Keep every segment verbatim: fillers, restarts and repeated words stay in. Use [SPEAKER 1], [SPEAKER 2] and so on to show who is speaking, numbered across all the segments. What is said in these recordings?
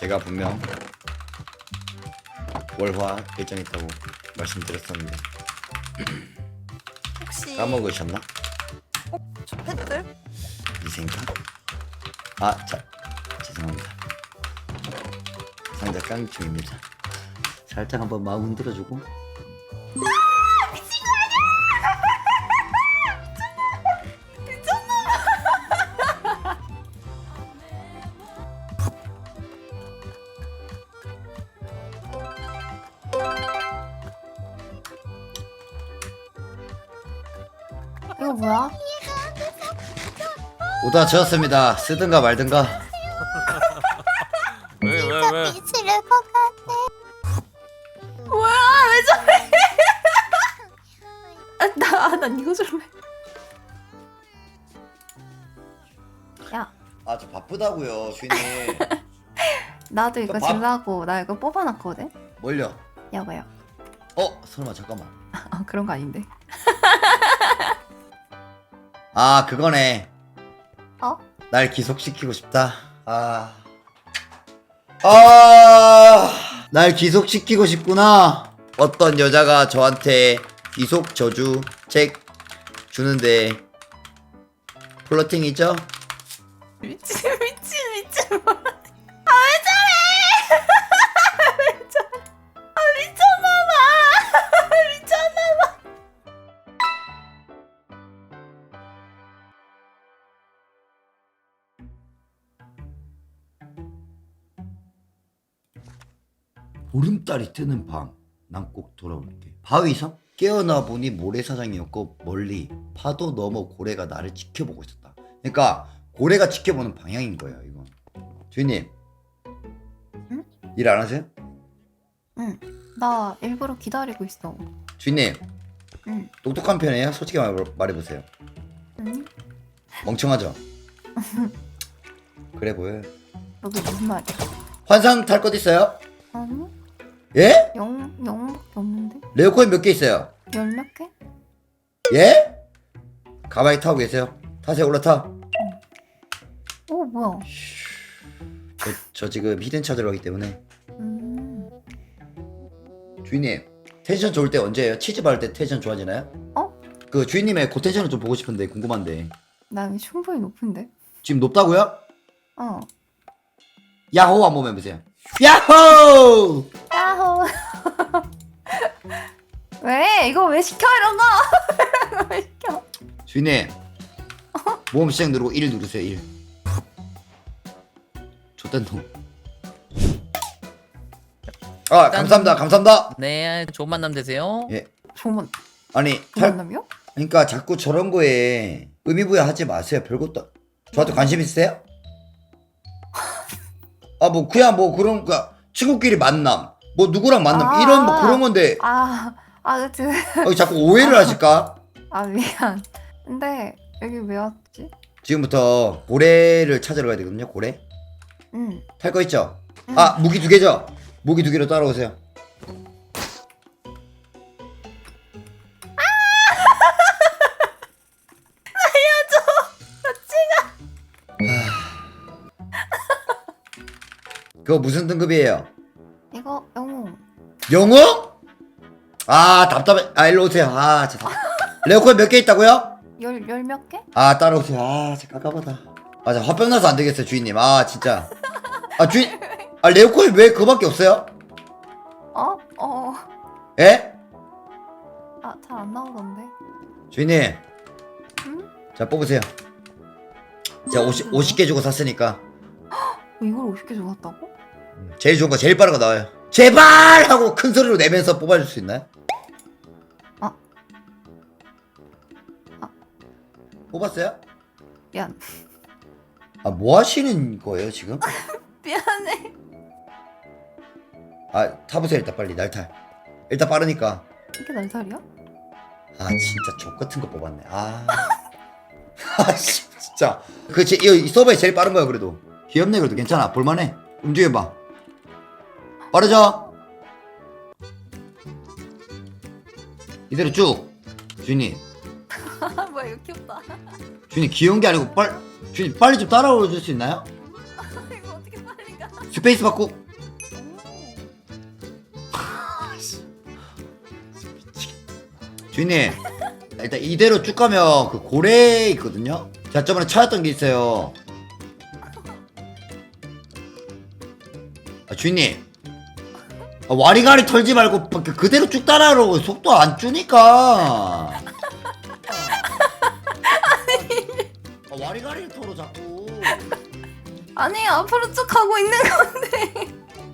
[SPEAKER 1] 제가 분명 월화 일정 있다고 말씀드렸었는데
[SPEAKER 2] 혹시
[SPEAKER 1] 까먹으셨나?
[SPEAKER 2] 저 팬들?
[SPEAKER 1] 이 생각? 아, 자, 죄송합니다. 상자 깡충입니다. 살짝 한번 마음 흔들어주고.
[SPEAKER 2] 이거 뭐야?
[SPEAKER 1] 오다 지었습니다. 쓰든가 말든가.
[SPEAKER 3] 왜 왜 왜?
[SPEAKER 4] 미치를 것 같아.
[SPEAKER 2] 뭐야? 왜 저래? 아, 나, 아, 난 이거 좀 해. 야,
[SPEAKER 1] 아, 저 바쁘다고요, 주인님.
[SPEAKER 2] 나도 이거
[SPEAKER 1] 저 밥-
[SPEAKER 2] 질라고 나 이거 뽑아놨거든?
[SPEAKER 1] 뭘요?
[SPEAKER 2] 여보요.
[SPEAKER 1] 어, 설마 잠깐만.
[SPEAKER 2] 아, 그런 거 아닌데.
[SPEAKER 1] 아, 그거네.
[SPEAKER 2] 어?
[SPEAKER 1] 날 기속시키고 싶다. 아. 아, 날 기속시키고 싶구나. 어떤 여자가 저한테 기속 저주 책 주는데 플러팅이죠?
[SPEAKER 2] 미친, 미친, 미친. 아, 왜 저래? 왜 저래? 아, 미쳤나봐. 미쳤나봐.
[SPEAKER 1] 보름달이 뜨는 밤, 난 꼭 돌아올게. 바위섬? 깨어나 보니 모래사장이었고 멀리 파도 넘어 고래가 나를 지켜보고 있었다. 그러니까 고래가 지켜보는 방향인 거예요, 이건. 주인님.
[SPEAKER 2] 응?
[SPEAKER 1] 일 안 하세요?
[SPEAKER 2] 응. 나 일부러 기다리고 있어.
[SPEAKER 1] 주인님.
[SPEAKER 2] 응.
[SPEAKER 1] 똑똑한 편이에요? 솔직히 말, 말해보세요.
[SPEAKER 2] 응?
[SPEAKER 1] 멍청하죠? 그래 보여요.
[SPEAKER 2] 너도 무슨 말이야?
[SPEAKER 1] 환상 탈 것 있어요?
[SPEAKER 2] 아니?
[SPEAKER 1] 예?
[SPEAKER 2] 영, 영밖에 없는데?
[SPEAKER 1] 레오코인 몇 개 있어요?
[SPEAKER 2] 열 몇 개?
[SPEAKER 1] 예? 가만히 타고 계세요. 타세요, 올라타.
[SPEAKER 2] 오, 뭐야?
[SPEAKER 1] 저, 저 지금 히든 찾으러 가기 때문에.
[SPEAKER 2] 음.
[SPEAKER 1] 주인님, 텐션 좋을 때 언제예요? 치즈 바를 때 텐션 좋아지나요?
[SPEAKER 2] 어?
[SPEAKER 1] 그 주인님의 그 텐션을 좀 보고 싶은데, 궁금한데.
[SPEAKER 2] 나 이미 충분히 높은데?
[SPEAKER 1] 지금 높다고요?
[SPEAKER 2] 어.
[SPEAKER 1] 야호 한번 해보세요. 야호!
[SPEAKER 2] 야호. 왜? 이거 왜 시켜 이런 거? 이런 거 왜 시켜?
[SPEAKER 1] 주인님, 모험 시작 누르고 일 누르세요. 일. 좋댄 놈. 아, 감사합니다. 감사합니다.
[SPEAKER 3] 네, 좋은 만남 되세요.
[SPEAKER 1] 예.
[SPEAKER 2] 조만
[SPEAKER 1] 아니, 탈,
[SPEAKER 2] 조만남이요?
[SPEAKER 1] 그러니까 자꾸 저런 거에 의미부여하지 마세요. 별것도. 저한테 관심 있으세요? 아, 뭐 그냥 뭐 그런 그 친구끼리 만남, 뭐 누구랑 만남
[SPEAKER 2] 아.
[SPEAKER 1] 이런 뭐 그런 건데
[SPEAKER 2] 아, 아, 그치.
[SPEAKER 1] 어, 자꾸 오해를 하실까?
[SPEAKER 2] 아, 미안. 근데 여기 왜 왔지?
[SPEAKER 1] 지금부터 고래를 찾으러 가야 되거든요. 고래
[SPEAKER 2] 응.
[SPEAKER 1] 탈 거 있죠?
[SPEAKER 2] 응.
[SPEAKER 1] 아, 무기 두 개죠? 무기 두 개로 따라오세요. 그거 무슨 등급이에요?
[SPEAKER 2] 이거 영웅.
[SPEAKER 1] 영웅? 아, 답답해. 아, 일로 오세요. 아, 진짜. 레오코인 몇 개 있다고요?
[SPEAKER 2] 열, 열 몇 개?
[SPEAKER 1] 아, 따라오세요. 아, 진짜 깝깝하다. 아, 자, 화병 나서 안 되겠어요, 주인님. 아, 진짜. 아, 주인. 아, 레오코인 왜 그거밖에 없어요?
[SPEAKER 2] 어? 어.
[SPEAKER 1] 예?
[SPEAKER 2] 아, 잘 안 나오던데.
[SPEAKER 1] 주인님.
[SPEAKER 2] 응?
[SPEAKER 1] 자, 뽑으세요. 제가 오십, 오십 개 주고 샀으니까.
[SPEAKER 2] 어, 이걸 오십 개 줘봤다고?
[SPEAKER 1] 제일 좋은 거, 제일 빠른 거 나와요. 제발! 하고 큰 소리로 내면서 뽑아줄 수 있나요?
[SPEAKER 2] 아. 아.
[SPEAKER 1] 뽑았어요?
[SPEAKER 2] 미안.
[SPEAKER 1] 아, 뭐 하시는 거예요, 지금?
[SPEAKER 2] 미안해.
[SPEAKER 1] 아, 타보세요, 일단 빨리. 날탈. 일단 빠르니까.
[SPEAKER 2] 이게 날살이야?
[SPEAKER 1] 아, 진짜 족 같은 거 뽑았네. 아. 아, 씨, 진짜. 그, 제, 이, 이 서버에 제일 빠른 거야, 그래도. 귀엽네, 그래도. 괜찮아. 볼만해. 움직여봐. 빠르죠? 이대로 쭉. 주인님.
[SPEAKER 2] 뭐야, 이거 귀엽다.
[SPEAKER 1] 주인님, 귀여운 게 아니고, 빨, 주인님, 빨리 좀 따라와 줄 수 있나요?
[SPEAKER 2] 이거 어떻게 빨리 가?
[SPEAKER 1] 스페이스 받고. 주인님 일단 이대로 쭉 가면 그 고래 있거든요. 제가 저번에 찾았던 게 있어요. 아, 주인님 아, 와리가리 털지 말고 그- 그대로 쭉 따라오고 속도 안 주니까. 아, 와리가리를 털어 자꾸.
[SPEAKER 2] 아니 앞으로 쭉 가고 있는 건데.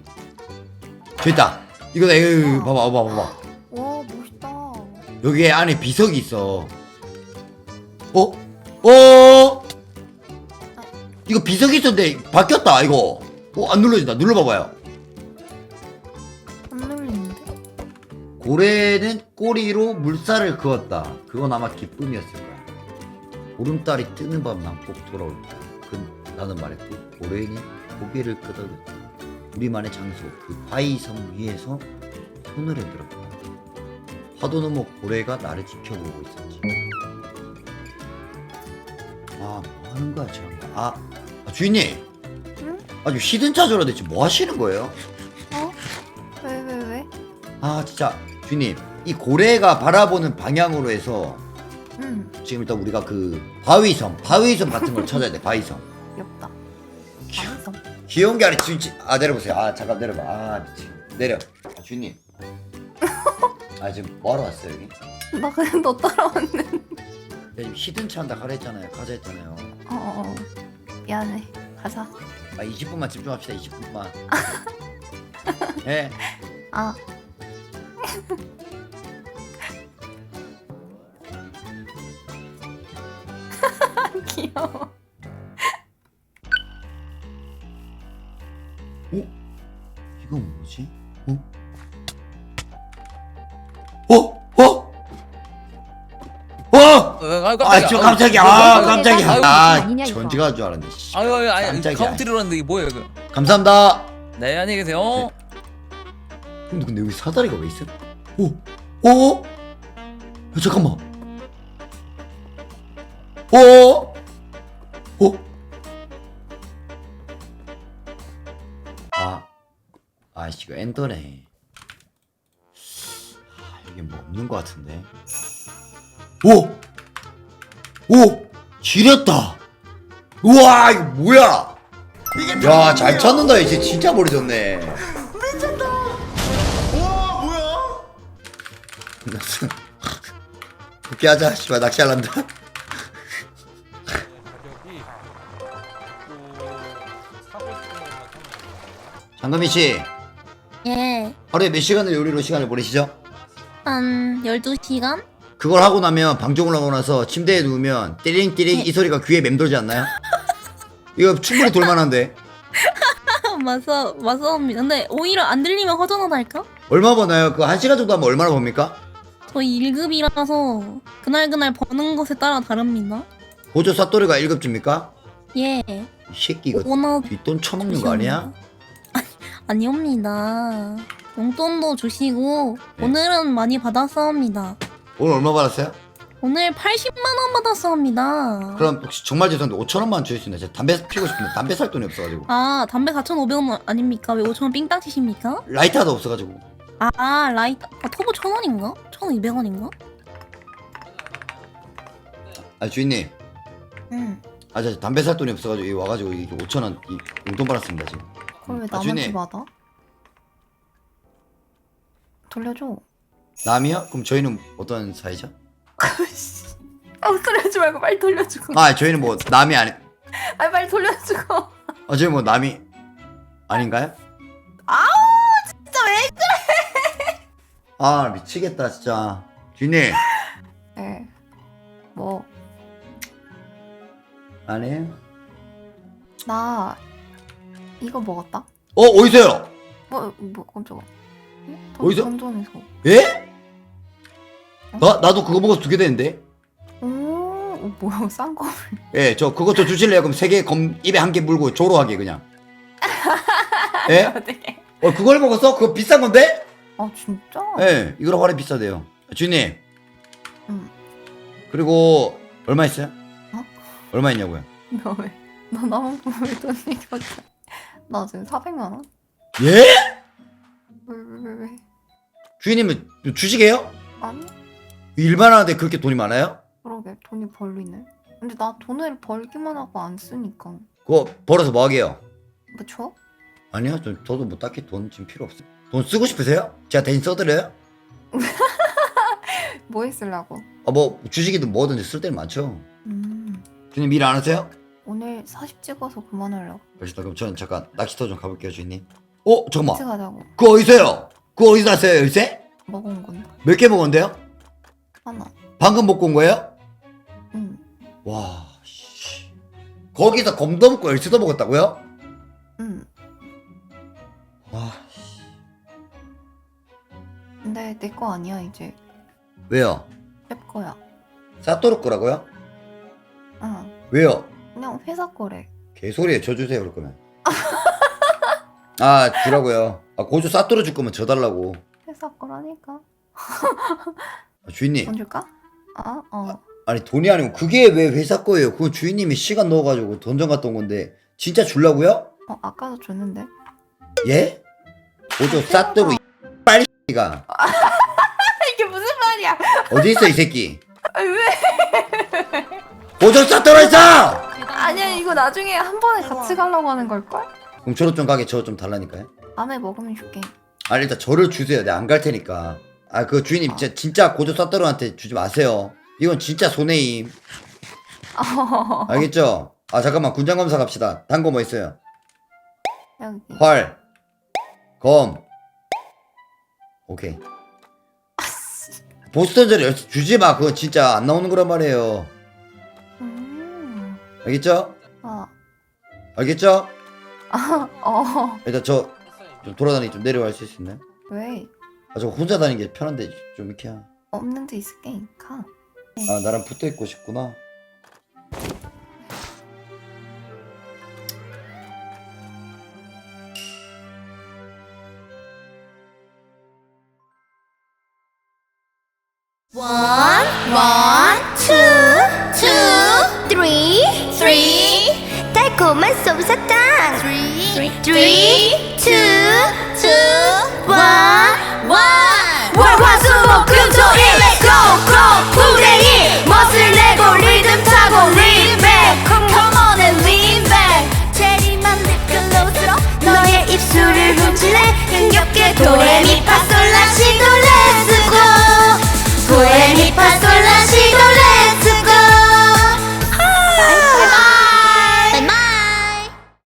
[SPEAKER 1] 됐다. 이거 이거 봐봐 봐봐 봐봐.
[SPEAKER 2] 와 멋있다.
[SPEAKER 1] 여기에 안에 비석이 있어. 어? 어? 이거 비석이 있었는데 바뀌었다 이거. 어? 안 눌러진다. 눌러봐봐요.
[SPEAKER 2] 안 눌리는데?
[SPEAKER 1] 고래는 꼬리로 물살을 그었다. 그건 아마 기쁨이었을 거야. 보름달이 뜨는 밤 난 꼭 돌아올 거야. 그 나는 말했고 고래는 고개를 끄덕였다. 우리만의 장소 그 바위섬 위에서 손을 흔들었다. 파도 넘어 고래가 나를 지켜보고 있었지. 아, 뭐 하는 거야, 지금? 아, 아, 주인님.
[SPEAKER 2] 응?
[SPEAKER 1] 아주 히든 차저라 대체 뭐 하시는 거예요?
[SPEAKER 2] 어? 왜 왜 왜?
[SPEAKER 1] 아, 진짜. 주인님, 이 고래가 바라보는 방향으로 해서
[SPEAKER 2] 응.
[SPEAKER 1] 지금 일단 우리가 그 바위섬, 바위섬 같은 걸 찾아야 돼, 바위섬.
[SPEAKER 2] 귀엽다. 알았어.
[SPEAKER 1] 귀여운 게 아니라 진짜. 아, 내려보세요. 아, 잠깐 내려봐. 아, 미친. 내려. 아, 주인님. 아, 지금 뭐하러 왔어요, 여기?
[SPEAKER 2] 나 그냥 너 따라왔는데.
[SPEAKER 1] 야, 지금 히든 차 한다 가라 했잖아요. 가자 했잖아요.
[SPEAKER 2] 어어 어. 미안해. 가자.
[SPEAKER 1] 아, 이십 분만 집중합시다, 이십 분만. 예.
[SPEAKER 2] 아. 귀여워.
[SPEAKER 1] 어? 이건 뭐지? 어? 어? 어? 어?
[SPEAKER 3] 아,
[SPEAKER 1] 아, 저 깜짝이야. 아, 깜짝이야. 아, 전지가 줄 알았네. 씨.
[SPEAKER 3] 아유, 아유, 아유,
[SPEAKER 1] 깜짝이야.
[SPEAKER 3] 카운트리라는데 이게 뭐예요, 그?
[SPEAKER 1] 감사합니다.
[SPEAKER 3] 네, 안녕히 계세요.
[SPEAKER 1] 근데 근데 여기 사다리가 왜 있어? 오, 어? 야, 잠깐만. 어? 어? 아, 아이씨 이거 엔더네. 아, 여기 뭐 없는 것 같은데. 오, 오, 지렸다. 우와, 이거 뭐야? 야, 잘 찾는다. 이제 진짜 머리 좋네. 그렇게 하자. 씨발 낚시할란다. 장금희 씨,
[SPEAKER 4] 예.
[SPEAKER 1] 하루에 몇 시간을 요리로 시간을 보내시죠?
[SPEAKER 4] 한 열두 시간?
[SPEAKER 1] 그걸 하고 나면 방종을 하고 나서 침대에 누우면 띠링띠링 이 소리가 귀에 맴돌지 않나요? 이거 충분히 돌만한데.
[SPEAKER 4] 맞아, 맞아옵니다. 근데 오히려 안 들리면 허전하달까?
[SPEAKER 1] 얼마 버나요? 그 한 시간 정도 하면 얼마나 법니까?
[SPEAKER 4] 저희 일 급이라서 그날그날 버는 것에 따라 다릅니다.
[SPEAKER 1] 보조 사또리가 일 급줍니까?
[SPEAKER 4] 예.
[SPEAKER 1] 이 새끼 이거
[SPEAKER 4] 오너
[SPEAKER 1] 뒷돈 처먹는 거 아니야?
[SPEAKER 4] 아니옵니다. 용돈도 주시고
[SPEAKER 1] 네.
[SPEAKER 4] 오늘은 많이 받았사옵니다.
[SPEAKER 1] 오늘 얼마 받았어요?
[SPEAKER 4] 오늘 팔십만 원 받았사옵니다.
[SPEAKER 1] 그럼 혹시 정말 죄송한데 오천 원만 주실 수 있나요? 제가 담배 피우고 싶은데 담배 살 돈이 없어가지고.
[SPEAKER 4] 아, 담배 사천오백 원 아닙니까? 왜 오천 원 삥땅 치십니까?
[SPEAKER 1] 라이터도 없어가지고.
[SPEAKER 4] 아, 라이터. 아, 터보 천 원인가? 천이백 원인가?
[SPEAKER 1] 아 주인님,
[SPEAKER 4] 응.
[SPEAKER 1] 아 저 담배 살 돈이 없어가지고 여기 와가지고 이게 오천 원 이 용돈 받았습니다 지금.
[SPEAKER 2] 그걸 왜
[SPEAKER 1] 아,
[SPEAKER 2] 남한테
[SPEAKER 1] 주인님.
[SPEAKER 2] 받아? 돌려줘.
[SPEAKER 1] 남이요? 그럼 저희는 어떤 사이죠?
[SPEAKER 2] 아 돌려주지 말고 빨리 돌려주고.
[SPEAKER 1] 아 저희는 뭐 남이 아니.
[SPEAKER 2] 아 빨리 돌려주고.
[SPEAKER 1] 아 저희 뭐 남이 아닌가요?
[SPEAKER 2] 아우 진짜 왜?
[SPEAKER 1] 아 미치겠다 진짜. 주인님
[SPEAKER 2] 네. 뭐.
[SPEAKER 1] 아니에요?
[SPEAKER 2] 나 이거 먹었다.
[SPEAKER 1] 어 어디서요?
[SPEAKER 2] 뭐, 뭐 깜짝아. 응?
[SPEAKER 1] 어디서?
[SPEAKER 2] 던전에서.
[SPEAKER 1] 예? 나 나도 그거 먹어서 두 개 되는데.
[SPEAKER 2] 오, 어, 뭐야 싼 거.
[SPEAKER 1] 예, 저 그것 좀 주실래요? 그럼 세 개 검 입에 한 개 물고 조로하게 그냥. 예?
[SPEAKER 2] 어떻게?
[SPEAKER 1] 어 그걸 먹었어? 그거 비싼 건데?
[SPEAKER 2] 아 진짜?
[SPEAKER 1] 예, 이거랑 화려 비싸대요. 주인님.
[SPEAKER 2] 응.
[SPEAKER 1] 그리고 얼마 있어요?
[SPEAKER 2] 어?
[SPEAKER 1] 얼마 있냐고요?
[SPEAKER 2] 너 왜? 너 나만 보면 왜 돈 얘기밖에? 나 지금 사백만 원?
[SPEAKER 1] 예?
[SPEAKER 2] 왜 왜 왜 왜?
[SPEAKER 1] 주인님은 주식이에요?
[SPEAKER 2] 아니
[SPEAKER 1] 일만 하는데 그렇게 돈이 많아요?
[SPEAKER 2] 그러게 돈이 벌리네. 근데 나 돈을 벌기만 하고 안 쓰니까.
[SPEAKER 1] 그거 벌어서 뭐 하게요?
[SPEAKER 2] 뭐 줘?
[SPEAKER 1] 아니요, 저, 저도 뭐 딱히 돈 지금 필요 없어요. 돈 쓰고 싶으세요? 제가 대신 써드려요?
[SPEAKER 2] 뭐에 쓰려고?
[SPEAKER 1] 아, 뭐 주식이든 뭐든지 쓸 때는 많죠.
[SPEAKER 2] 음
[SPEAKER 1] 주인님 일 안 하세요?
[SPEAKER 2] 오늘 사십 찍어서 그만하려고.
[SPEAKER 1] 알겠습니다. 그럼 저는 잠깐 낚시터 좀 가볼게요, 주인님. 어,
[SPEAKER 2] 같이
[SPEAKER 1] 잠깐만.
[SPEAKER 2] 가자고.
[SPEAKER 1] 그거 어디서요? 그거 어디서 났어요, 열쇠?
[SPEAKER 2] 먹은 건데.
[SPEAKER 1] 몇 개 먹었는데요?
[SPEAKER 2] 하나.
[SPEAKER 1] 방금 먹고 온 거예요?
[SPEAKER 2] 응.
[SPEAKER 1] 와, 씨. 거기서 검도 먹고 열쇠도 먹었다고요?
[SPEAKER 2] 응.
[SPEAKER 1] 와,
[SPEAKER 2] 근데 내 거 아니야 이제.
[SPEAKER 1] 왜요?
[SPEAKER 2] 내 거야.
[SPEAKER 1] 사또르 거라고요?
[SPEAKER 2] 응.
[SPEAKER 1] 왜요?
[SPEAKER 2] 그냥 회사 거래.
[SPEAKER 1] 개소리에 저 주세요, 그럴 거면. 아, 주라고요. 아, 고주 사또르 줄 거면 저 달라고.
[SPEAKER 2] 회사 거라니까.
[SPEAKER 1] 아, 주인님.
[SPEAKER 2] 돈 줄까? 아, 어.
[SPEAKER 1] 아니, 돈이 아니고 그게 왜 회사 거예요? 그건 주인님이 시간 넣어가지고 던전 갔다 온 건데 진짜 줄라고요?
[SPEAKER 2] 어, 아까도 줬는데.
[SPEAKER 1] 예? 고주 사또르 이 빨리가
[SPEAKER 2] 이게 무슨 말이야?
[SPEAKER 1] 어디 있어 이 새끼?
[SPEAKER 2] 아, 왜?
[SPEAKER 1] 고주 사또르 있어!
[SPEAKER 2] 아니야, 이거 나중에 한 번에 같이 가려고 하는 걸걸?
[SPEAKER 1] 그럼 저로 좀 가게 저 좀 달라니까요.
[SPEAKER 2] 밤에 먹으면 줄게.
[SPEAKER 1] 아니, 일단 저를 주세요. 내가 안 갈 테니까. 아, 그 주인님 진짜, 진짜 고조 사또르한테 주지 마세요. 이건 진짜 손해임. 알겠죠? 아, 잠깐만. 군장 검사 갑시다. 단 거 뭐 있어요?
[SPEAKER 2] 여기.
[SPEAKER 1] 활, 검. 오케이. 보스턴저를 열쇠 주지 마. 그건 진짜 안 나오는 거란 말이에요.
[SPEAKER 2] 음.
[SPEAKER 1] 알겠죠?
[SPEAKER 2] 어.
[SPEAKER 1] 알겠죠?
[SPEAKER 2] 어.
[SPEAKER 1] 일단 저 좀 돌아다니 좀 내려갈 수 있나요?
[SPEAKER 2] 왜?
[SPEAKER 1] 아, 저 혼자 다니는 게 편한데 좀 이렇게. 하-
[SPEAKER 2] 없는 데 있을게. 가.
[SPEAKER 1] 아, 나랑 붙어 있고 싶구나.
[SPEAKER 5] One, one, two, two, three, three. 달콤한 솜사탕. Three, three, two, two, one, one. 월화수목금토일에 고고 후대인 멋을 내고 리듬 타고 리맥 Come on and lean back. 체리만 립글로스로 너의 입술을 훔칠래. 흥겹게 도레미